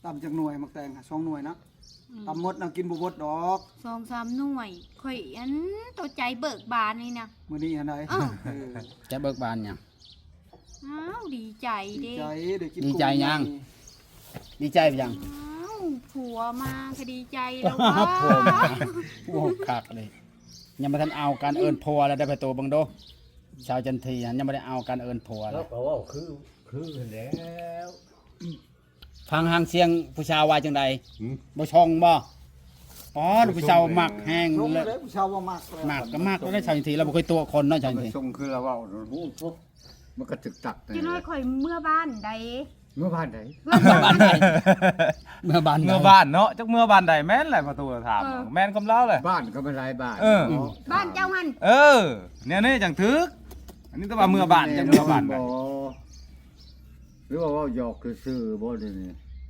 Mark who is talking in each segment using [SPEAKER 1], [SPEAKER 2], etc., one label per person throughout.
[SPEAKER 1] ตำจากหน่วยมักแตงค่ะ2หน่วยนะตำหมดน่ะกินบ่หมดดอก
[SPEAKER 2] 2-3 หน่วยข่อยอันตัวใจเบิกบานนี่นะ
[SPEAKER 1] มื้อนี้อันใด
[SPEAKER 2] อ้าว
[SPEAKER 3] จะเบิกบานหยัง
[SPEAKER 2] อ้าวดีใจ
[SPEAKER 1] ดี
[SPEAKER 2] เด้
[SPEAKER 1] ใจได้กิน
[SPEAKER 3] ดีใจยัง ดีใจไปยัง
[SPEAKER 2] อ้าวผัวมาก็ดีใจแล้วว่า
[SPEAKER 3] ผมโอ้คักเลยยังบ่ทันเอาการเอิ้นผัวแล้วได้ไปตัวเบิ่งโดชาวจันทียังบ่ได้เอาการเอิ้นผัวเล
[SPEAKER 4] แล้ว
[SPEAKER 3] ย
[SPEAKER 4] ก็ว่าคือแล้ว
[SPEAKER 3] ฟังหางเสียงผู้ชายว่าจังใดบ่ช่องบ่อ๋อผู้ชายมักแห้ง
[SPEAKER 1] ชง
[SPEAKER 3] เลย
[SPEAKER 1] เลยผู้ชาวว่ามากเลย
[SPEAKER 3] มักก็มักแล้วได้ชาวจันทีเราบ่เคยตัวคนเนาะชาวจันที
[SPEAKER 4] ส่งคือเราว่ารู้ปุ๊บมันก็ตึกตัก
[SPEAKER 2] จะน้อยข่อยเมื่อบ้านใด
[SPEAKER 4] เมื่อบ้านไหน
[SPEAKER 3] เมื่อบ้านใดเมื่อบ้านใด
[SPEAKER 5] เมื่อบ้านเนาะจักเมื่อบ้านใดแม่นแหละประตูถามแม่นกำเล่าเลย
[SPEAKER 4] บ้านก็ไม่ไรบ้าน
[SPEAKER 2] บ้านเจ้าหัน
[SPEAKER 5] เออเนี่ยนี่จังทึกอันนี้ต้องว่าเมื่อบ้านจังเมื่อบ้านไป
[SPEAKER 4] หรือว่าหยอกคือซื้อบ่ได้นี่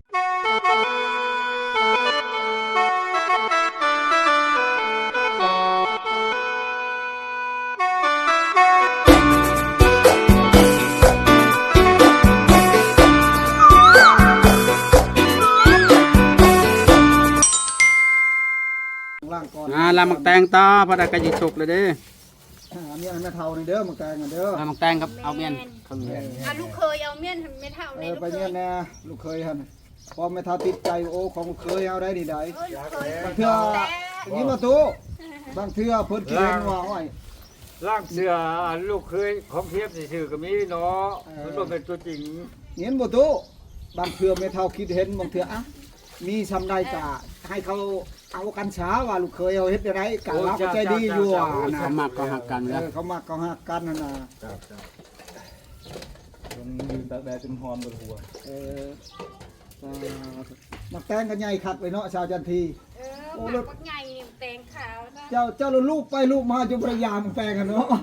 [SPEAKER 1] ล่างก่อน
[SPEAKER 3] ลำมักแตงต่อพอได้ก็สิสุกเลยเด้
[SPEAKER 1] อันนี้อันแม่เฒ่านี่เด้อมักแตงอันเด้อ
[SPEAKER 3] ลำมักแตงครับเอาเมียนครึ่งเมียน
[SPEAKER 2] อ่ะลูกเคยเอาเมียนไม่เท่า
[SPEAKER 1] เอ
[SPEAKER 2] ใน
[SPEAKER 1] อ
[SPEAKER 2] ลูก
[SPEAKER 1] ไป
[SPEAKER 2] เค
[SPEAKER 1] เนี่ย
[SPEAKER 2] ย
[SPEAKER 1] แน่ลูกเคยหั่นพอแม่เฒ่าติดใจโอ้ของลูกเคยเอาได้นี่ได้
[SPEAKER 2] เออลูกเคย
[SPEAKER 1] บางเทื่ออย่างนี้มาตู้บางเทื่อเพิ่นเขียนว่าโอ้ย
[SPEAKER 4] ร่างเสือลูกเคยของเทียบซื่อก็มีเนาะมันบ่เป็นตัวจริง
[SPEAKER 1] เห็นบ่ตู้บางเทื่อแม่เฒ่าคิดเห็นบางเทื่ออ่ะมีซำใดก็ให้เขาเอากันช้าว่าลูกเคยเอาเฮ็ดได้ไรกะเราก็ใจดีอยู่อ่ะนะ
[SPEAKER 3] เขามักก็หักกัน
[SPEAKER 1] เอ
[SPEAKER 3] แล้ว
[SPEAKER 1] อเขามักก็ฮักกันนั่นน่ะ
[SPEAKER 5] มันยืนตากแดดจนหอมบนหัว
[SPEAKER 1] เออมักแตงกันใหญ่คักไปเนาะชาวจันที
[SPEAKER 2] เออหมักบักใหญ่นี่แตงขาวนะ
[SPEAKER 1] เจ้าลูกไปลูกมาจนพยายามแปลงกันเนาะ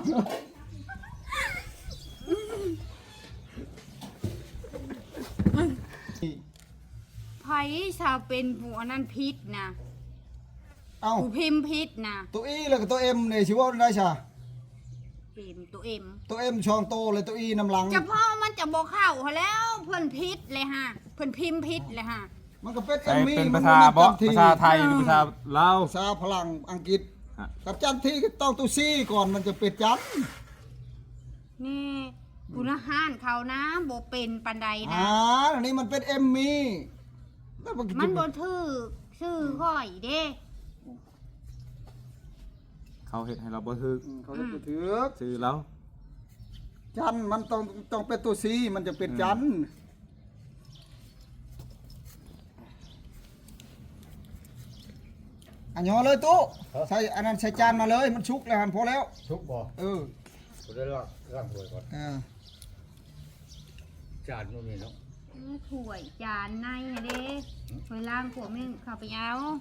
[SPEAKER 2] ไผ่ชาวเป็นผู้อันนั้นพิษนะ
[SPEAKER 1] เอ้า
[SPEAKER 2] ผู้พิมพ์พิษนะ
[SPEAKER 1] ตัวอีแล้วก็ตัวเอ็มเนี่ยชิว่าได้ชา
[SPEAKER 2] พิมพ์ตัวเอ็ม
[SPEAKER 1] ตัวเอ็มช่องโตเลยตัวอีน้ำหลัง
[SPEAKER 2] จะพ่อมันจะบอกเข้าเขาแล้วเพิ่นพิษเลยฮะเพิ่นพิมพ์พิษเลยฮะ
[SPEAKER 1] มันก็เป็นเอ็
[SPEAKER 5] ใส่
[SPEAKER 1] มมี่
[SPEAKER 5] เป็น
[SPEAKER 1] มั
[SPEAKER 5] ภาน ษาบ่
[SPEAKER 1] ที
[SPEAKER 5] ภาษาไทยหรือภาษาลาว
[SPEAKER 1] ภาษาพลังอังกฤษ
[SPEAKER 5] ฮะ
[SPEAKER 1] กับจันทีก็ต้องตัวซีก่อนมันจะเป็นจัน
[SPEAKER 2] นี่คุณอาหารเขานะโบเป็นปันใดนะ
[SPEAKER 1] อันนี้มันเป็นเอ็มมี่แล้วมันก็
[SPEAKER 2] มันโบถือชื่อค่อยเด้
[SPEAKER 5] เขาเฮ็ดให้เราบ่ทึก
[SPEAKER 1] เขาจะไปถือ
[SPEAKER 5] ชื่อเรา
[SPEAKER 1] จันมันต้องเป็นตัวซีมันจะเป็นจันอันยอเลยตู้ใส่อันนั้นใส่จานมาเลยมันชุกแล้วหันพอแล้ว
[SPEAKER 4] ทุกบ่
[SPEAKER 1] เออ
[SPEAKER 4] กูได้ร่างถวยก่อน
[SPEAKER 1] อ่า
[SPEAKER 4] จานนู่นนี่เนาะ
[SPEAKER 2] ถ้วยจานในอะเด้ถ้วยล่างขวดนึงเข้าไปเอา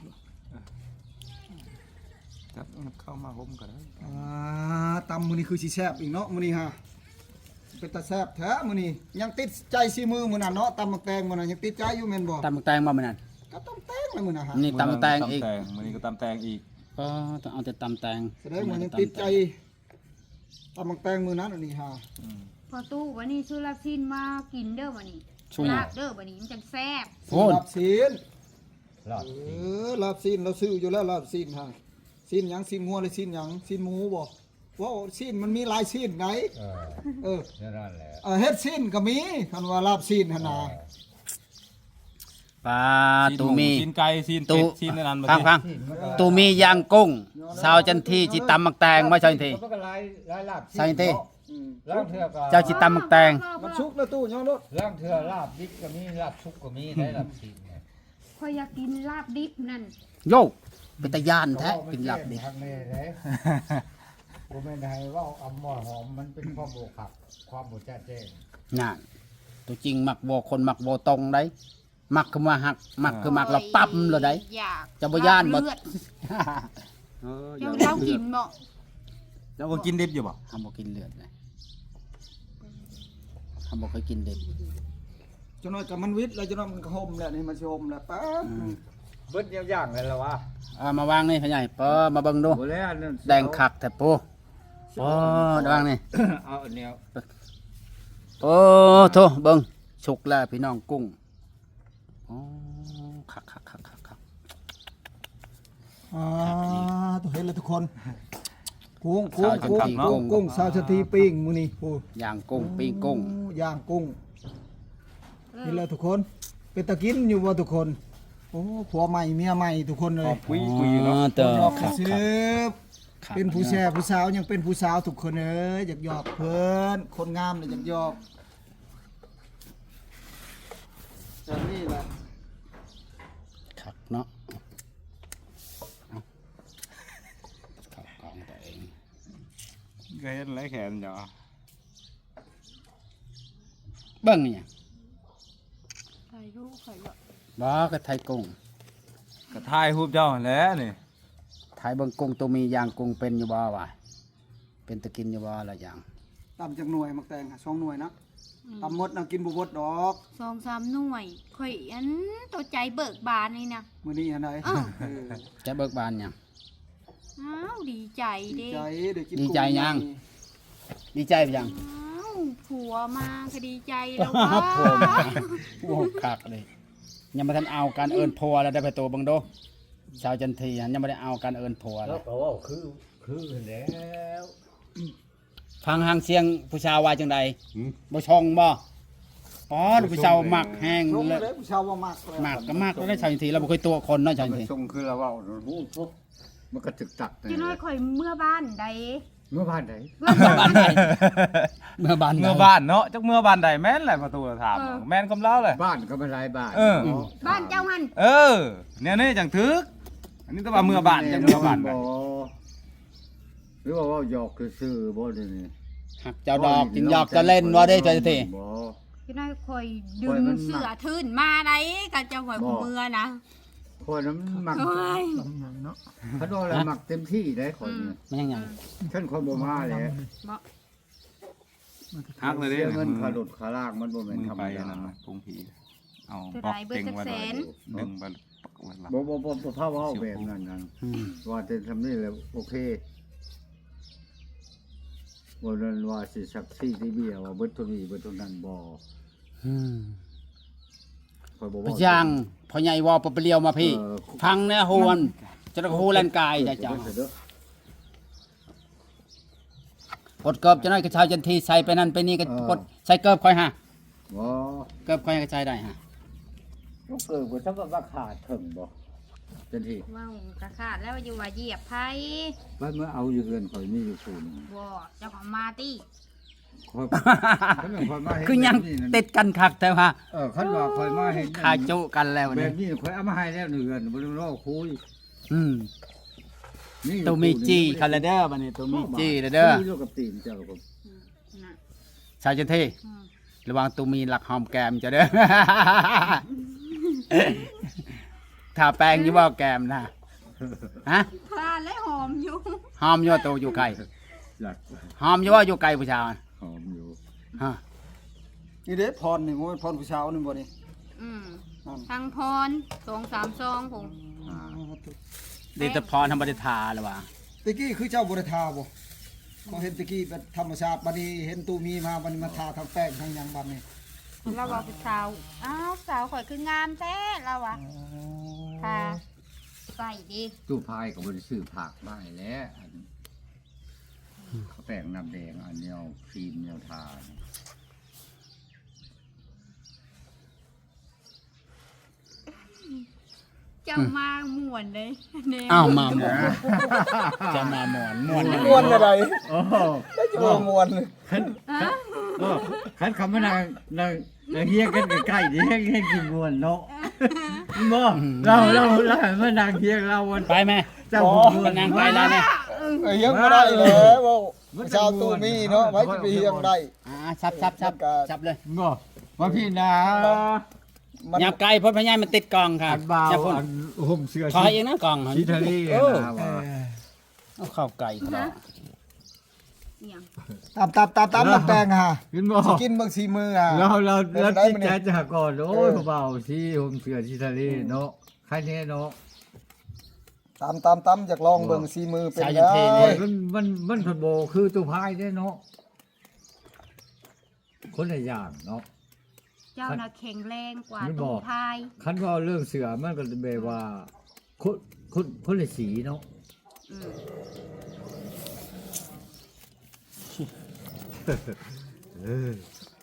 [SPEAKER 5] จับเข้ามาห่มก็ได้
[SPEAKER 1] ตำมือนี้คือสีแซบอีกเนาะมือนี้ฮะเป็นตาแซบแท้มือนี้ยังติดใจซีมือมือนั้นเนาะตำมักแตงมือนั้นยังติดใจอยู่แม่นบ่
[SPEAKER 3] ตำมักแตงบ่มื้อนั้น
[SPEAKER 1] ก็ต้องแตงเลยมือนะฮะ
[SPEAKER 3] นี่ตำมักแตงอีก
[SPEAKER 5] มื้อนี้ก็ตำแตงอีก
[SPEAKER 3] ก็ต้องเอาแต่ตำแตง
[SPEAKER 1] แสดงว่ายังติดใจตำมักแตงมือนั้นอันนี้ฮะ
[SPEAKER 2] พอตู้วันนี้ซื้อลาบซินมากินเด้อวันนี้
[SPEAKER 3] ช่วย
[SPEAKER 2] ลาบเด้อวันนี้มันจังแซ่บ
[SPEAKER 3] โอ้ย
[SPEAKER 1] ลาบซีน
[SPEAKER 4] ลาบ
[SPEAKER 1] ลาบซีนเราซื้ออยู่แล้วลาบซีนฮะซีนหยังซีนงัวหรือซีนหยังซีนหมูบ่ว่าซีนมันมีหลายซีนไหนเออ
[SPEAKER 4] นั่นแหละ
[SPEAKER 1] เฮ็ดซีนก็มีคันว่าลาบซีนหั่นน่ะ
[SPEAKER 3] ปลาตูมี
[SPEAKER 5] ซีนไก่ซีนเป็ดซีนนั้นบ่
[SPEAKER 3] ฟังตูมีย่างกุ้งชาวจันทีจิตำมักแตงบ่ชาวจันที
[SPEAKER 4] มันก็ลายลาบ
[SPEAKER 3] ชาวจันที
[SPEAKER 1] อืม
[SPEAKER 4] ร่างเถื่อก็
[SPEAKER 3] เจ้าจิตำมักแตง
[SPEAKER 1] มันชุกแล้วตู้ย้อนรถ
[SPEAKER 4] ร่างเถื่อลาบดิบก็มีลาบชุกก็มีได้ลาบชิ้นเนี่ย
[SPEAKER 2] คอยอยากกินลาบดิบนั่น
[SPEAKER 3] โยกเป็นตะย่านแท้กินหลับดิ
[SPEAKER 4] ทางนี้เลยกูไม่ได้ว่าเอาหม้อหอมมันเป็นความโบขับความโบจ้าแจ้ง
[SPEAKER 3] น่ะตัวจริงมักบ่คนมักบ่ตรงได้มักคือมาหักมักคือมักเราปั๊มเลยได้
[SPEAKER 2] อยาก
[SPEAKER 3] จะบ่ย่านบ่
[SPEAKER 2] เลือด
[SPEAKER 5] เออ
[SPEAKER 2] เจ้าเรากินบ่
[SPEAKER 5] เจ้าก็กินดิบอยู่บ่
[SPEAKER 3] ทำบ่กินเลือดเลยทำบ่เคยกินเด็ด
[SPEAKER 1] จนน้อยกับมันวิทย์แล้วจนน้อยมันก็ห่มแล้วนี่มันสิห่มแล้วป๊บ
[SPEAKER 4] เบิดอย่างเลยละวะ
[SPEAKER 3] มาวางนี่พ่อใหญ่ปอมาเบิ่งดู
[SPEAKER 4] โอ้แล้วนั่น
[SPEAKER 3] แดงคักแท้ปูปอวางนี่
[SPEAKER 4] เอาอันเนี้ย
[SPEAKER 3] โอ้โธ่เบิ่งสุกแล้วพี่น้องกุ้งหอ๋อคักคักคักคักคัก
[SPEAKER 1] ตัวเห็นแล้วทุกคนกุ้งสาวชะทีปิ้งมื้อนี้โอ้
[SPEAKER 3] ย่างกุ้งปิ้งกุ้ง
[SPEAKER 1] ย่างกุ้งเห็นแล้วทุกคนเป็นตะกินอยู่บ่ทุกคนโอ้ผัวใหม่เมียใหม่ทุกคนเลย
[SPEAKER 5] คุยอยู่เนาะ
[SPEAKER 3] เตอ
[SPEAKER 1] หยอก
[SPEAKER 3] คัก
[SPEAKER 1] ซื้
[SPEAKER 3] คัก
[SPEAKER 1] เป็นผู้แช่ผู้สาวยังเป็นผู้สาวทุกคนเอ้ยอยากหยอกเพิ่นคนงามเลยอยากหยอกจังนี่แหละ
[SPEAKER 3] คักเนาะเอาเข้ากองตัวเอง
[SPEAKER 5] ก็เห็นไรแขนจ้ะ
[SPEAKER 3] เบิ่งเนี่ย
[SPEAKER 2] ใครรู้ใครหรอก
[SPEAKER 3] บ่ก็ไทยกุ้ง
[SPEAKER 5] ก็ถ่ายรูปเจ้าแหล้วนี่
[SPEAKER 3] ไทยเบิ่งกุ้งตัวมีย่างกุ้งเป็นอยู่บ่วะเป็นตะกินอยู่บ่ละอย่าง
[SPEAKER 1] ตำจากหน่วยมักแตงค่ะ2หน่วยนะตำหมดน่ะกินบ่หมดดอก
[SPEAKER 2] 2-3 หน่วยข่อยอันตัวใจเบิกบานนี่นะ
[SPEAKER 1] มื้อนี้อันใด
[SPEAKER 2] อ้าว
[SPEAKER 3] จะเบิกบานหยัง
[SPEAKER 2] อ้าวดีใจ
[SPEAKER 1] ดี
[SPEAKER 2] เด้
[SPEAKER 1] ใจได้กิน
[SPEAKER 3] ดีใจยัง ดีใจไปยัง
[SPEAKER 2] อ้าวผัวมาก็ดีใจแล้วว่า
[SPEAKER 3] ผมโอ้คักเลยยังบ่ทันเอาการเอิ้นผัวแล้วได้ไปตัวเบิ่งโดชาวจันทียังบ่ได้เอาการเอิ้นผัว
[SPEAKER 4] แล้
[SPEAKER 3] แล้ว ว
[SPEAKER 4] ก็ว่าคือแล้ว
[SPEAKER 3] ฟังหางเสียงผู้ชาวว่าจังใดบ่ชองบ่อ๋อผู้ชาวมักแห้ง
[SPEAKER 1] ลง
[SPEAKER 3] เลย
[SPEAKER 1] เลยผู้ชาวว่ามากเลย
[SPEAKER 3] มักก็มักแล้วได้ชาวจันทีเราบ่เคยตัวคนเนาะชาวจันที
[SPEAKER 4] ทรงคือเราว่าหูปุ๊บมันก็ตึกตัก
[SPEAKER 2] จะน้อยข่อยเมื่อบ้านใด
[SPEAKER 4] เมื่อบ้านไหน
[SPEAKER 3] เมื่อบ้านใดเมื่อบ้านใด
[SPEAKER 5] เมื่อบ้านเนาะจักเมื่อบ้านใดแม่นแหละประตูถามแม่นคำเล่าเลย
[SPEAKER 4] บ้านก็ไม่หลายบ้าน
[SPEAKER 2] บ้านเจ้าหัน
[SPEAKER 5] เออเนี่ยนี่จังทึกอันนี้ต้องว่าเมื่อบ้านจังเมื่อบ้านกัน
[SPEAKER 4] หรือว่าหยอกคือซื่อบ่ได้นี่
[SPEAKER 3] หักเจ้าดอกจึงหยอกจะเล่นว่าได้ชาวจันที
[SPEAKER 4] บ่
[SPEAKER 2] จะน้อยข่อยดึ
[SPEAKER 4] ข่อย
[SPEAKER 2] ง
[SPEAKER 4] มัน
[SPEAKER 2] เสื้อทื่นมาได้กับเจ้าข่อยผู้เมื่อนะ
[SPEAKER 4] คนนั้นมัก
[SPEAKER 2] โอ้ย
[SPEAKER 1] เนาะ
[SPEAKER 4] เขาโดนอะไรมักเต็มที่ได้คนเนี่ย
[SPEAKER 3] มันยังไง
[SPEAKER 4] ฉันคนบ่มาเลย
[SPEAKER 2] บ่
[SPEAKER 5] ฮักเลยเด้
[SPEAKER 4] เสียเงินขาหลุดขาลากมันบ่แม่น
[SPEAKER 5] มึง
[SPEAKER 4] ธรร
[SPEAKER 5] ไป
[SPEAKER 4] ม
[SPEAKER 5] อัน
[SPEAKER 4] ดา
[SPEAKER 5] นั้นนะพุงผีเอา
[SPEAKER 2] เท่า
[SPEAKER 5] บล็
[SPEAKER 2] ไร
[SPEAKER 5] อก
[SPEAKER 2] เบิด
[SPEAKER 5] เก่ง
[SPEAKER 2] จัก
[SPEAKER 5] ไว้
[SPEAKER 2] แสน
[SPEAKER 5] ดึงไปปักไว้หลัง
[SPEAKER 4] บ่พาเว้าแบบนั้นนั่น
[SPEAKER 3] อืม
[SPEAKER 4] ว่าจะทำนี่แหละโอเคบ่นั้นว่าสิสักซี่ที่เบี้ยว่าเบิดตัวนี้เบิดตัวนั้นบ่
[SPEAKER 3] อืม
[SPEAKER 4] ค่อยบ่
[SPEAKER 3] พ
[SPEAKER 4] เว้า
[SPEAKER 3] ยังพ่อใหญ่วอปะเปลียวมาพี่ พังแน่โฮวนจะได้โฮแลนกายจ้ะจ้ะกดเกิบจะน้อยกระชายจันทีใส่ไปนั่นไปนี่ก็กดใส่เกิบค่อยฮะ
[SPEAKER 4] บ่
[SPEAKER 3] เกิบค่อยกระชายได้ฮะ
[SPEAKER 4] บ่เกิดบ่จักว่าขาดถึงบ่จังที่
[SPEAKER 2] ว้าวกระขาดแล้วอยู่ว่าเหยียบไผ
[SPEAKER 4] ว่าเมื่อเอาอยู่เรือนข่อยมีอยู่ศูนย์
[SPEAKER 2] บ่เจ้าของมาติ
[SPEAKER 4] ข่อยคันว่าข่อยมาเห็น
[SPEAKER 3] คือยัง
[SPEAKER 4] แบบนี้นั่น
[SPEAKER 3] ติดกันคักแต่ว่า
[SPEAKER 4] คันว่าข่อยมาเห็น
[SPEAKER 3] ขาจุกันแล้ว
[SPEAKER 4] แบ
[SPEAKER 3] นี่
[SPEAKER 4] บนี้ข่อยเอามาให้แล้วเรือนบ่ต้องรอคุย
[SPEAKER 3] อืม
[SPEAKER 4] นี่
[SPEAKER 3] ตัวมีจีคาราเดอร์บัดนี้ตัวมีจีเด้อ
[SPEAKER 4] คุยอยู่กับตีนเจ้าผม
[SPEAKER 2] น่ะ
[SPEAKER 3] ชายจันที
[SPEAKER 2] อืม
[SPEAKER 3] ระวังตัวมีหลักหอมแก้มจะเด้อ ทาแป้งอยู่บ่แก้มนะฮะ
[SPEAKER 2] ทานและหอมอยู่
[SPEAKER 3] หอมอยู่ตัวอยู่ไกล
[SPEAKER 4] หลัก
[SPEAKER 3] หอมอยู่ว่าอยู่ไกลผู้ชาย
[SPEAKER 4] หอมอยู่
[SPEAKER 3] ฮะ
[SPEAKER 1] นี่เด้พรนี่โอ้ยพรผู้ชาวนี่บ่นี่
[SPEAKER 2] อืม
[SPEAKER 1] นั่น
[SPEAKER 2] ทางพร2-3ซองผม
[SPEAKER 4] อ่า
[SPEAKER 3] ดีแต่พรธรรมดาทาหรือว่า
[SPEAKER 1] ตะกี้คือเจ้าบ่ได้ทาบ่เขาเห็นตะกี้แบบธรรมชาติบัดนี้เห็นตูมีมาบัดนี้มาทาทั้งแป้งทั้งหยังบัดนี้
[SPEAKER 2] เราว่าเป็นสาวอ้าวสาวข่อยคืองามแท้เราอ่ะค่ะใส่ดี
[SPEAKER 4] ตู้พายกับบริสื่อผักได้แล้วอันเขาแป้งน้ำแดงอันเนียวครีมเนียวทา
[SPEAKER 2] เจ้ามาม่วนเลยแนว
[SPEAKER 3] อ้าวมาหมอนจะมาหมอนม่วน
[SPEAKER 1] ม่วนอะไร
[SPEAKER 4] โอ้โห
[SPEAKER 1] บ่ม่วนเลย
[SPEAKER 4] ขันคำว่านางเฮียกันใกล้ๆนี่ให้กินมวนเนาะบ่เรามานางเฮียเราวัน
[SPEAKER 3] ไปไหม
[SPEAKER 4] เจ้ามวน
[SPEAKER 3] นางไปแล้วเนี่ย
[SPEAKER 1] ยังบ่ได้เลยบ่ผู้ชาวตูมีเนาะไว้สิไปเฮียงได้
[SPEAKER 3] ชับเลย
[SPEAKER 4] บ่ว่าพี่นา
[SPEAKER 1] มัน
[SPEAKER 3] หยับไกลเพราะพญายมันติดกล่องค่ะ
[SPEAKER 4] อันบ่าว
[SPEAKER 3] จะพุ่น
[SPEAKER 4] อันห่มเสื้อ
[SPEAKER 3] ถอยเองนะกล่อง
[SPEAKER 4] ชีทะเล
[SPEAKER 3] เออ
[SPEAKER 4] นะว่า
[SPEAKER 3] เอาเข้าไก่เขา
[SPEAKER 2] เนี่ย
[SPEAKER 1] ตามแป้งฮะ
[SPEAKER 4] กินบ่
[SPEAKER 1] สิกินบางสีมืออ่ะ
[SPEAKER 4] เรา
[SPEAKER 1] เป็นได้
[SPEAKER 4] คิด
[SPEAKER 1] มั้ยเนี่ย
[SPEAKER 4] แค่จะก่อนโอ้ยเบาๆที่ห่มเสื้อชีทะเลเนาะใครเนี่ยเนาะ
[SPEAKER 1] ตามอยากลองเบิ่งสีมือเป็น
[SPEAKER 3] ชาย
[SPEAKER 1] แล้
[SPEAKER 3] ยันเท
[SPEAKER 1] ว
[SPEAKER 3] นี่
[SPEAKER 4] มันผลโบคือตัวพายได้เนาะคนละอย่างเนาะ
[SPEAKER 2] เจ้าน่ะแข็งแรงกว่า
[SPEAKER 4] ไม่บ
[SPEAKER 2] ตู้
[SPEAKER 4] อก
[SPEAKER 2] พาย
[SPEAKER 4] คันว่าเรื่องเสือมันก็แบบว่าคนละสีเนาะ
[SPEAKER 2] อืม
[SPEAKER 4] เออ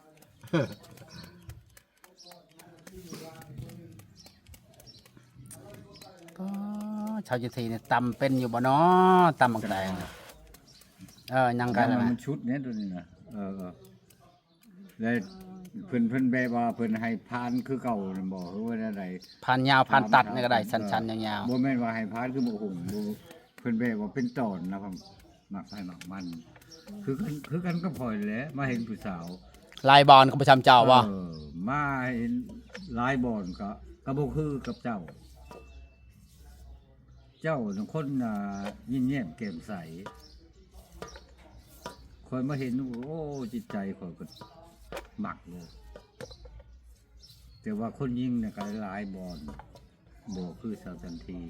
[SPEAKER 3] อ๋อชาวจันทีเนี่ยตำเป็นอยู่บ่เนาะตำบักแดงยังกัน
[SPEAKER 4] มันชุดเนี้ยตัวนี้นะแล้วเพิ่นแบบว่าเพิ่นให้พานคือเก่าน่ะบ่คือว่าอะไร
[SPEAKER 3] พันยาวพันตัดนี่ก็ได้ชันๆยาว
[SPEAKER 4] บ่แม่นว่าให้พานคือบ่หุ่งบ่เพิ่นแบบว่าเป็นตอนนะผมมักให้มักมัน คือกันก็พอยแหละมาเห็นผู้สาว
[SPEAKER 3] ๆลายบอลของประจำเจ้าบ่
[SPEAKER 4] มาเห็นหลายบ่อนก็บ่คือกับเจ้า เจ้าเป็นคนยิ้มแย้มแก้มใสคอยมาเห็นโอ้จิตใจคอยก็หมักเลยแต่ว่าคนยิงเนี่ยก็หลายบอลบ่คือชาวจันที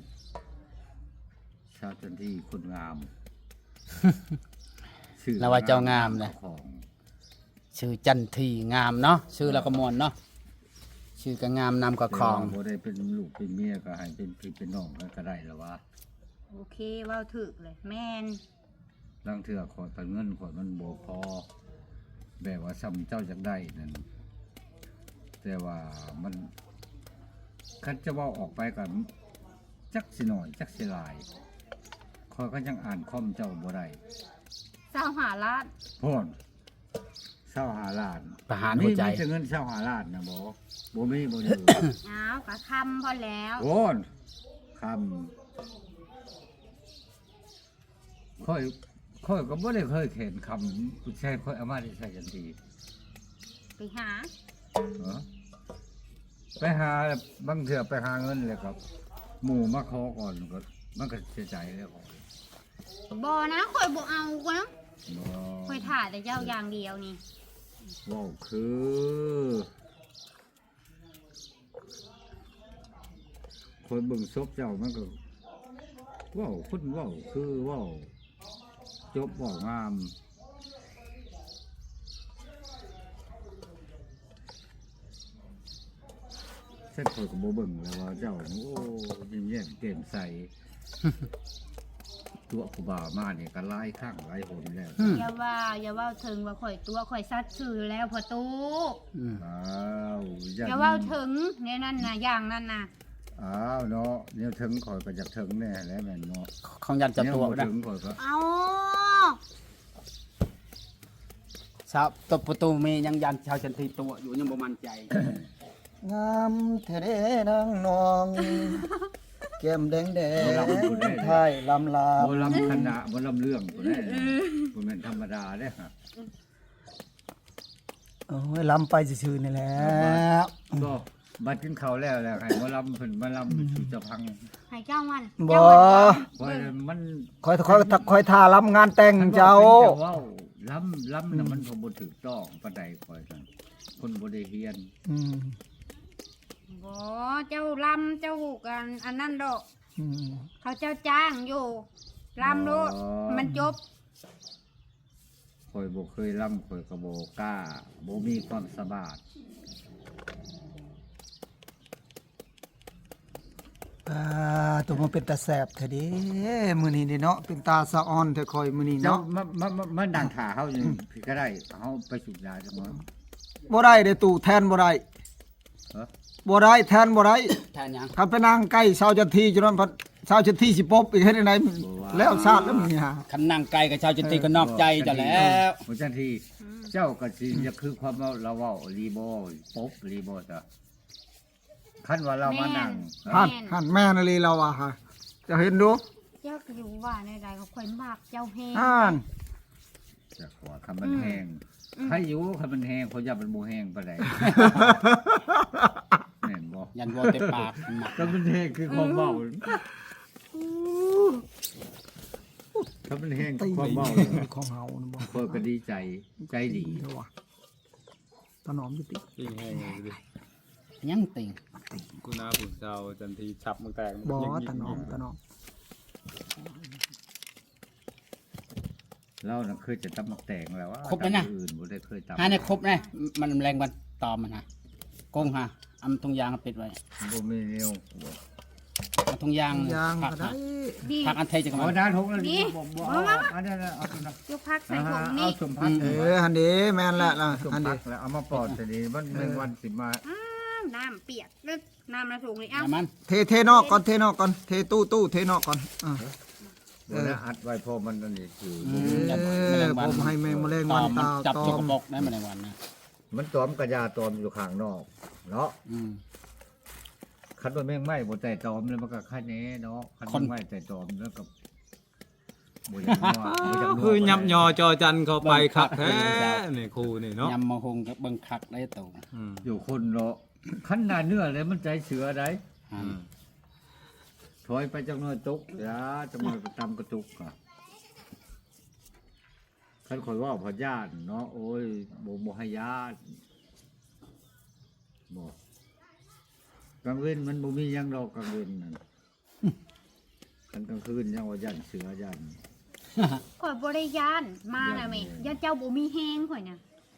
[SPEAKER 4] คนงาม
[SPEAKER 3] แล้วว่าเจ้างามเลย
[SPEAKER 4] ของ
[SPEAKER 3] ชื่อจันทีงามเนาะชื่อแล้วก็มวลเนาะชื่อก็งามนำก็คลอง
[SPEAKER 4] แต่ว่าบ่ได้เป็นลูกเป็นเมียก็ให้เป็นพี่เป็นน้องกันก็ได้แล้วว่า
[SPEAKER 2] โอเคเว้าถึกเลยแม่น
[SPEAKER 4] ลังเถื่อขอแต่เงินขอมันบ่พอแบบว่าซ้ำเจ้าจักได้นั่นแต่ว่ามันคันจะเว่าออกไปกันจักสิหน่อยจักสิหลายคอยก็ยังอ่านคอมเจ้าบ่ได้
[SPEAKER 2] เจ้าหาล้าน
[SPEAKER 4] พ่นเศร้าหาล้าน
[SPEAKER 3] ประหารหัวใจ
[SPEAKER 4] มีแต่เงินเศร้าหาล้านนะบ่มีบ่อยู่
[SPEAKER 2] อ้าวก็คำพอแล้ว
[SPEAKER 4] โอนคำค่อยก็บ่ได้เคยเห็นคำผู้ชายค่อยเอามาได้ใช้กันที
[SPEAKER 2] ไปหา
[SPEAKER 4] เหรอไปหาบางเถื่อไปหาเงินเลยครับ หมู่มาขอก่อนก็มันก็เสียใจแล้วก่อน
[SPEAKER 2] บ่นะข่อยบ่เอาก็นะ
[SPEAKER 4] บ่
[SPEAKER 2] ข่อยถ่าแต่เจ้าอย่างเดียวนี่
[SPEAKER 4] ว้าวคือคนเบิ่งศพเจ้ามันก็ว้าวคนว้าวคือว้าวจบว้าวงามเส้นข่อยก็บ่เบิ่งแล้วว่าเจ้าโอ้ยิ้มแย้มแจ่มใส ตัวครูบามาเนี่ยก็หลายครั้งหลายหนแล้ว
[SPEAKER 2] อย่าว่าถึงว่าข่อยตัวข่อยซัดซื่อแล้วพอตู้
[SPEAKER 3] อืม
[SPEAKER 4] อ้าว
[SPEAKER 2] อย่าว่าถึงเนี่ยนั่นน่ะอย่างนั้นน่ะ
[SPEAKER 4] อ้าวเนาะเนี่ยถึงข่อยก็อยากถึงแน่แล้วแม่นเนาะ
[SPEAKER 3] ของยันจับตัว
[SPEAKER 4] เนี่ยบ่
[SPEAKER 3] นะ
[SPEAKER 4] ถึงข่อยก็
[SPEAKER 2] เอา
[SPEAKER 3] ชาวตบประตูมียังยันชาวจันทีตัวอยู่ยังบ่มั่นใจ
[SPEAKER 1] งามแท้เด้นางนองแก้มแดงๆท้ายลำลา
[SPEAKER 4] บ่ลำคณะบ่ลำเรื่องบ่ได้บ่แม่นธรรมดาเด้อฮะ
[SPEAKER 1] โอ้ยลำไปซื่อๆนี่แหละ
[SPEAKER 4] ก็บัดกินข้าวแล้วให้บ่ลำเพิ่นมาลำสู่จะพัง
[SPEAKER 2] ให้เจ้ามัน
[SPEAKER 1] บ่
[SPEAKER 4] ข่อยมัน
[SPEAKER 1] คอยท่าลำงานแต่งเจ้า
[SPEAKER 4] เว้าลำน่ะมันบ่ถูกต้องปานใดข่อยนั่นคนบ่ได้เรียน
[SPEAKER 1] อืม
[SPEAKER 2] บ่เจ้าลำเจ้ากันอันนั้นดอก
[SPEAKER 1] อืม
[SPEAKER 2] เขาเจ้าจ้างอยู่ลำโลดมันจบ
[SPEAKER 4] ข่อยบ่เคยลำข่อยก็บ่กล้าบ่มีความสามารถ
[SPEAKER 1] ตัวมันเป็นตาแสบแท้เด้มื้อนี้นี่เนาะเป็นตาสะออนแท้คอยมื้อนี้
[SPEAKER 4] เจ้า
[SPEAKER 1] เนาะ
[SPEAKER 4] มาดังถ่าเฮาอยู่พี่ก็ได้เฮาไปสูบยาจังมั้ง
[SPEAKER 1] บ่ได้เด้ตู่แทนบ่ได้
[SPEAKER 4] เอ้อ
[SPEAKER 1] บ่ได้แทนบ่ได้
[SPEAKER 3] แทนยัง
[SPEAKER 1] คันไปนั่งใกล้ชาวจันทีจนนั้นพัดชาวจันทีสิปบอีกเฮ็ดจังไดแล้วชาติแล้วมึงนี่ฮะ
[SPEAKER 3] คันนั่งไกลกับชาวจันทีก็นอกใจเจ้าแล้ว
[SPEAKER 4] บ่จังทีเจ้าก็สิจะคือความว่าเราเว้ารีบ่ปบรีบ่จ้ะคันว่าเรามานั่ง
[SPEAKER 1] หันแม่นลีเราอ่ะฮะจะเห็นดู
[SPEAKER 2] เจ้าก็อยู่ว่าในใดก็ข่อยมากเจ้าแฮง
[SPEAKER 1] อ่าน
[SPEAKER 4] จะขอคำมันแห้งใครอยู่คำมันแห้งเขาอย่ามันบ่แห้งปานใดแม่นบ่
[SPEAKER 3] ยันวัวเต็มปากหมัก
[SPEAKER 4] คำมันแห้งคือความเว้าคำมันแห้งคือความเว้า
[SPEAKER 1] ของเฮานะบ่
[SPEAKER 4] เพิ่นก็ดีใจใจดี
[SPEAKER 1] เด้อว่ะตะหนอมอยู่ติ
[SPEAKER 5] จริงไงดิ
[SPEAKER 3] ยังติง
[SPEAKER 5] กูน่าผุนเจ้าจันทีฉับมึงแตก
[SPEAKER 1] บ่
[SPEAKER 5] ยิง
[SPEAKER 1] ตะหนอม
[SPEAKER 4] เราน่ะเคยจะตำมักแตงแล้วว่า
[SPEAKER 3] ครบแล้วนะ
[SPEAKER 4] อื่นบ่ได้เคยตำ
[SPEAKER 3] หาในครบนะมันแรงวันตอมมันฮะกงฮะเอาถุงยางปิดไว้
[SPEAKER 4] บ่มีแนว
[SPEAKER 3] เอาถุงยาง
[SPEAKER 1] ยาง
[SPEAKER 3] ผัก
[SPEAKER 1] ก็ได้
[SPEAKER 2] ดี
[SPEAKER 3] ผักอันเทจัง
[SPEAKER 4] เอา
[SPEAKER 3] มัน
[SPEAKER 4] ด้านหกแล้ว
[SPEAKER 2] นี่
[SPEAKER 4] บ่
[SPEAKER 2] มา
[SPEAKER 4] อันนั้นเอาตรงนั้น
[SPEAKER 2] ยกพักใส่ถุง
[SPEAKER 4] เอา
[SPEAKER 2] นี่
[SPEAKER 4] สมพัก
[SPEAKER 1] หันดีแม่นละล่ะ
[SPEAKER 4] สม
[SPEAKER 1] หัน
[SPEAKER 4] พั
[SPEAKER 1] ดี
[SPEAKER 4] กแล้วเอามาปอดแต่นี้มันแมงวันสิมา
[SPEAKER 2] น้ำเปียกแล้วน้ำในถุงนี่เอ้า
[SPEAKER 3] น้ำมัน
[SPEAKER 1] เทนอกก่อนเทนอกก่อนเทตู้เทนอกก่อน
[SPEAKER 4] บ่ได้อัดไว้พอมันอันนี้คือ
[SPEAKER 1] ผมให้แมงแมลงวันตา
[SPEAKER 3] จับ
[SPEAKER 1] ตอ
[SPEAKER 3] จก
[SPEAKER 1] ม
[SPEAKER 3] บกได้แมลงวันนะ
[SPEAKER 4] มันตอมกระยาตอมอยู่ข้างนอกเนาะ คันว่าแมงไหม้บ่แต่ตอมแล้วมันก็คันแน่เนาะคันแมงไหม้แต่ตอมแล้วก็บ่อยากนัวบ่อยากนัว
[SPEAKER 5] คือยับยอจอจันเข้าไปคักแท้นี่ครูนี่เนาะ
[SPEAKER 3] ยำมะฮงกับเบิ่งคักได้ตัว
[SPEAKER 4] อยู่คนเนาะคันหน้าเนื้อเลยมันใจเสือได้ถอยไปจังน้อยตกอย่าจังน้อยไปตามกระตุกอ่ะคันข่อยว่าพอญาติเนาะโอ้ยบ่ให้ญาติบ่กลางเว้นมันบ่มีหยังดอกกลางเว้นนั่นคันกลางคืนยังว่ายันเสือยัน
[SPEAKER 2] ข่อยบริยานมาแล้วแม่ยันเจ้าบ่มีแห้งข่อยน่ะ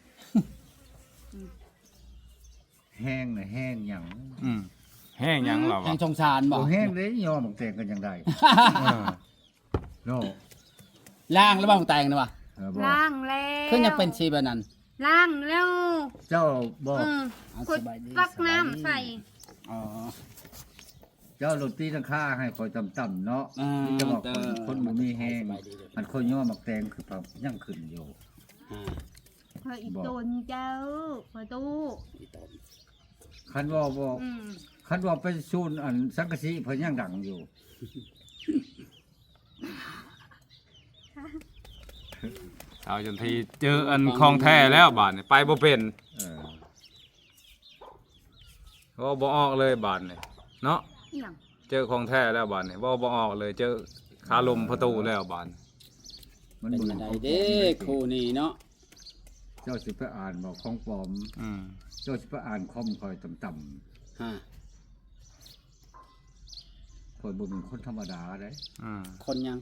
[SPEAKER 4] แห้งน่ะแห้งหยัง
[SPEAKER 5] แห้งหยังเหรอ
[SPEAKER 3] แห่
[SPEAKER 5] วะ
[SPEAKER 3] งชงชานบ่
[SPEAKER 4] บ่แห้งเลยยอมบักแตงกันยังได้โน่
[SPEAKER 3] ล่างแล้วบ้างแต่งนะวะ
[SPEAKER 4] บ่
[SPEAKER 2] ล้างแล้ว
[SPEAKER 3] คือยังเป็นชีแบบนั้น
[SPEAKER 2] ล้างแล้ว
[SPEAKER 4] เจ้าบ่
[SPEAKER 2] ข่อยตักน้ำใส่
[SPEAKER 3] อ๋อ
[SPEAKER 4] เจ้าโรตีตั้งค่าให้คอยต่ำๆเนาะนี่จะบอกคนบ่มีแห้งมันค่อยย่อบักแตงคือปรับยังขึ้นอยู่
[SPEAKER 2] ข่อยอีตนเจ้าข่อยตู้
[SPEAKER 4] คันว่าบ่
[SPEAKER 2] อืม
[SPEAKER 4] คันว่าไปซูนอันสังกะสีเพิ่นยังดังอยู่
[SPEAKER 5] เอาจนทีเจออันคลองแท้แล้วบาดนี่ไปบ่เป็น
[SPEAKER 4] เออ
[SPEAKER 5] ก็บ่ออกเลยบาดนี่เนาะ
[SPEAKER 2] อีหยัง
[SPEAKER 5] เจอคลองแท้แล้วบาดนี่บ่ออกเลยเจอคาลมประตูแล้วบาด
[SPEAKER 4] มัน
[SPEAKER 3] เป็น
[SPEAKER 4] บ่
[SPEAKER 3] ยังไง
[SPEAKER 4] ของปลอม
[SPEAKER 3] เด้ครูนี่เนาะ
[SPEAKER 4] เจ้าสิไปอ่านบอกของปลอม เจ้าสิไปอ่านคอมคอยต่ำ
[SPEAKER 3] ฮะ
[SPEAKER 4] ๆคอยบ่เป็นคนธรรมดาเด้
[SPEAKER 3] คนยัง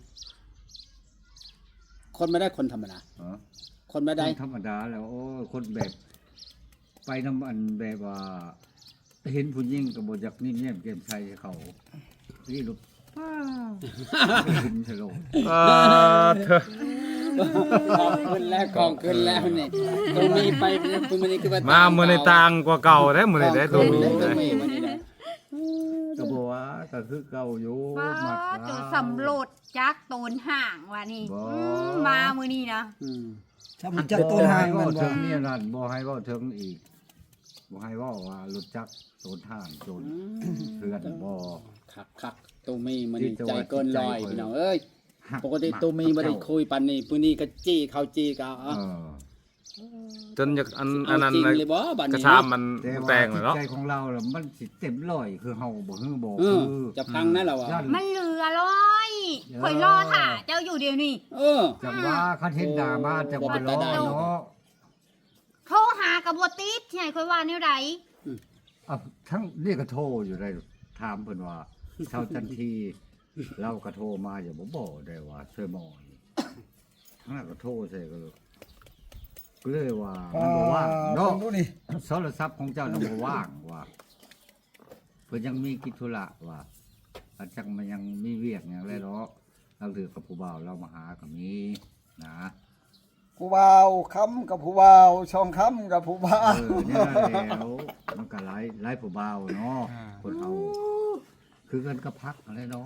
[SPEAKER 3] คนไม่ได้คนธรรมดา
[SPEAKER 4] ฮะ
[SPEAKER 3] คนไม่ได้
[SPEAKER 4] คนธรรมดาแล้วโอ้ยคนแบบไปน้ำอันแบบว่า เห็นผู้หญิงก็บ่อยากนิ่มแย้มแจ่มใสให้เขานี่ลูกป้าขึ้นฉลอง
[SPEAKER 5] เธอ
[SPEAKER 3] ของขึ้นแล้วของขึ้นแล้วนี่ตรงนี้ไปตรงนี้คือว่า
[SPEAKER 5] มามื้อในต่างกว่าเก่าแท้มื้อนี้ได้ตัวนี้
[SPEAKER 3] ตร
[SPEAKER 5] ได้
[SPEAKER 3] งนี้วันนี้ได้
[SPEAKER 4] ก็บอกว่าก็คือเก่าอยู่
[SPEAKER 2] ว้า
[SPEAKER 4] มัก
[SPEAKER 2] จะสำรวจจักโตนห่างว่านี่มามื้อนี้นะ
[SPEAKER 1] ถ้ามันจับต้นหาง
[SPEAKER 4] บ่
[SPEAKER 1] มัน
[SPEAKER 4] ให้
[SPEAKER 1] บ่
[SPEAKER 4] เถิงนี่นั่นบ่ให้เว้าเถิงอีกบ่ให้เว้าว่ารู้จักโซนทางโจนเพื่อนบ่
[SPEAKER 3] คักตูมีมันนี่ใจเกินลอยพี่น้องเอ้ยปกติตูมีบ่ได้คุยปันนี่มื้อนี้ก็จี้เขาจี้ก็
[SPEAKER 4] เอ
[SPEAKER 3] เอา
[SPEAKER 4] อ
[SPEAKER 5] จนอยากอัน
[SPEAKER 3] เอา
[SPEAKER 5] นั้น
[SPEAKER 3] จริงเลยบ่บัด
[SPEAKER 5] กระ
[SPEAKER 3] นี้
[SPEAKER 5] ชามมัน
[SPEAKER 4] แต่ว่า
[SPEAKER 5] แตงเลยเนาะ
[SPEAKER 4] จิตใจของเราล่ะมันสิเต็มร้อยคือเฮาบ่ฮือบ่
[SPEAKER 3] เอ
[SPEAKER 4] คือ อ
[SPEAKER 3] จะพังนะเราอ่ะ
[SPEAKER 2] มันเหลือร้อยข่อยรอถ่าเจ้าอยู่เดี๋ยวนี้
[SPEAKER 3] เออ
[SPEAKER 4] จังว่าคันเห็นด่ามาจะบ่รอเนาะ
[SPEAKER 2] โทรหากับบ่ติดที่ไหนข่อยว่าแนวใด
[SPEAKER 4] อ่ะทั้งนี่ก็โทรอยู่ได้ถามเพิ่นว่าเช้าทันทีเราก็โทรมาอย่าบ่ได้ว่าช่วยหมอยทั้งนั้นก็โทรใส่ก็เลยว่ามันบ่ว่างเนาะ
[SPEAKER 1] ดูนี่
[SPEAKER 4] โทรศัพท์ของเจ้าน่ะบ่ว่างว่าเพิ่นยังมีกิจธุระว่าอาจจังมันยังมีเวียกหยังแล้วเนาะเราถือกับผู้บ่าวเรามาหาก็มีนะ
[SPEAKER 1] ผู้บ่าวค้ำกับผู้บ่าวช่องค้ำกับผู้บ่าว
[SPEAKER 4] เนี่ยแล้วมันก็หลายผู้บ่าวเนาะคนเอาคือกันก็พักอะไรเนาะ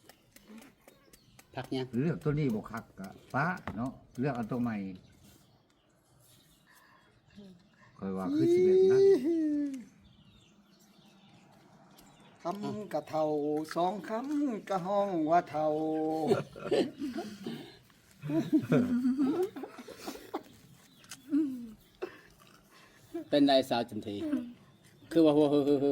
[SPEAKER 3] พักยัง
[SPEAKER 4] เลือกตัวนี้บ่คักก็ป้าเนาะเลือกเอาตัวใหม่ค่อยว่าคือสิแบบนั้น
[SPEAKER 1] ค้ำกะเท่าสองค้ำกะห้องว่าเท่า
[SPEAKER 3] เป็นไรสาวจันทีคือว่า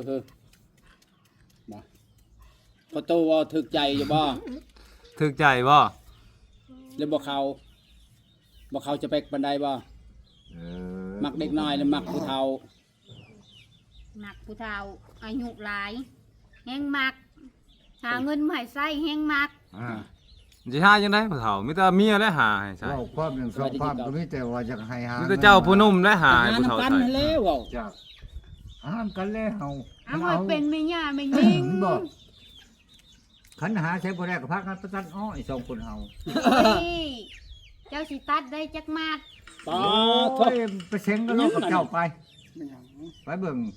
[SPEAKER 3] บ่พอโตว่าถึกใจอยู่บ่
[SPEAKER 5] ถึกใจบ่
[SPEAKER 3] แล้วบ่เขาจะไปบันไดบ่ มักเด็กน้อยหรือมักผู้เฒ่า
[SPEAKER 2] มักผู้เฒ่าอายุหลายแฮงมักหาเงินมาให้ใช้แฮงมัก
[SPEAKER 5] สิหาจังได๋ผู้เฒ่ามีแต่เมียและหาให้ใช่
[SPEAKER 4] เว้าความหนึ่งสองความก็มีแต่ว่าอยากให้หา
[SPEAKER 5] มีแต่เจ้าผู้หนุ่มและหาให้
[SPEAKER 3] หา
[SPEAKER 5] ผู้เฒ่า
[SPEAKER 3] น้ำกัน
[SPEAKER 5] ใช่
[SPEAKER 3] นั่นแหล้วเว้า
[SPEAKER 4] จากหห้ามกันแล้ว
[SPEAKER 2] เอาให้เป็นไม่ย่าไม่ยิง
[SPEAKER 4] บอกขันหาใช้บ่ได้ก็พักกันประตันอ้อย2คนเฮา
[SPEAKER 2] นี่เจ้าสิตัดได้จักมาด
[SPEAKER 3] ต่อ
[SPEAKER 4] โอ้ยไปเซ็งกันเนาะกับเจ้าไปไปเบิ่ง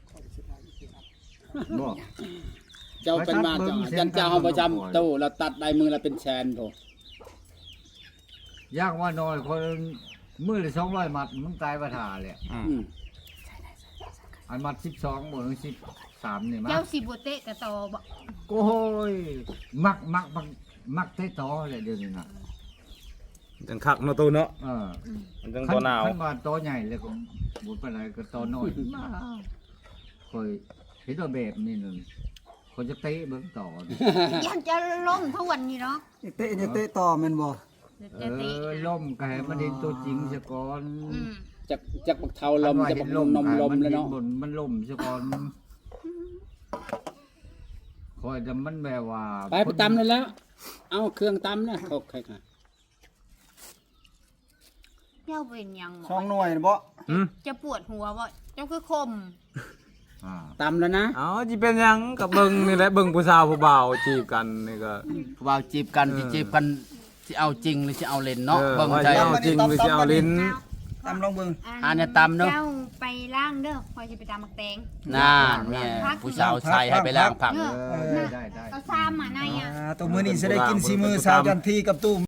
[SPEAKER 4] บ่
[SPEAKER 3] เจ้าเป็นมาจันเจ้าเฮาประจำตู้แล้วตัดได้มือละเป็นแสนโถ
[SPEAKER 4] ยากว่าน้อยคนมื้อละ200มัดมันตายบ่ท่าแหละ
[SPEAKER 5] อื
[SPEAKER 3] อื
[SPEAKER 5] ม
[SPEAKER 3] ม
[SPEAKER 4] อันมัด12บ่ถึง13นี่มา
[SPEAKER 2] เจ้าสิบ่เตะกระตอบ่
[SPEAKER 4] โอ้ยมักเตะต่อเลยเดี๋ยวนี้น่ะ
[SPEAKER 5] จังคักเนาะตูเนาะ มันจังตัวหนาว
[SPEAKER 4] คันว่าตัวใหญ่เลยก็บ่ปานใดก็ตัวน้อยค่อยเห็นว่าแบบนี้นั่นคนจะเตะเบิ่งต่อนี่
[SPEAKER 2] ยันจะล้มทวนนี่เนาะ
[SPEAKER 1] เตะจะเตะต่อแม่นบ่
[SPEAKER 2] จะเตะ
[SPEAKER 4] ล่มก็ให้มันเห็นตัวจริงซะก่อน
[SPEAKER 2] อืม
[SPEAKER 3] จักบักเทาลมจักบักนมลมแล้วเนาะ
[SPEAKER 4] มันล่มซะก่อนคอยจะมันแบบว่า
[SPEAKER 3] ไปตำเลยแล้ว เอาเครื่องตำนะเขาใครค่ะ
[SPEAKER 2] เจ้าเป็นหยังหม
[SPEAKER 1] สอง
[SPEAKER 2] อ
[SPEAKER 1] หน่วยบ่
[SPEAKER 5] อืม
[SPEAKER 2] จะปวดหัวบ่เจ้าคือคม
[SPEAKER 4] อ่า
[SPEAKER 3] ตำแล้วนะ
[SPEAKER 5] เอาจิเป็นหยังกับเบิ่งนี่แหละเบิ่งผู้สาวผู้บ่าวจีบกันนี่ก็
[SPEAKER 3] ผู้บ่าวจีบกันสิจีบกันสิเอาจริงหรือสิเอาเล่นเนาะเบิ่ง
[SPEAKER 5] ว่า
[SPEAKER 3] ใจ
[SPEAKER 5] จะเอาจริงหรือจะเอาลิ้น
[SPEAKER 1] ตามลองเบิ่ง
[SPEAKER 3] อันเนี้ยตำเนอะ
[SPEAKER 2] เจ้าไปล้างเด้อคอยจะไปตามมักแตง
[SPEAKER 3] น่าเนี่ยผู้สาวใส่ให้ไปล้างผัก
[SPEAKER 2] เออ
[SPEAKER 4] ได้
[SPEAKER 2] เอาซ้ำมาในอ่ะ
[SPEAKER 1] ตัวมื้อนี้สิได้กินสีมือสาวจันทีกับตู้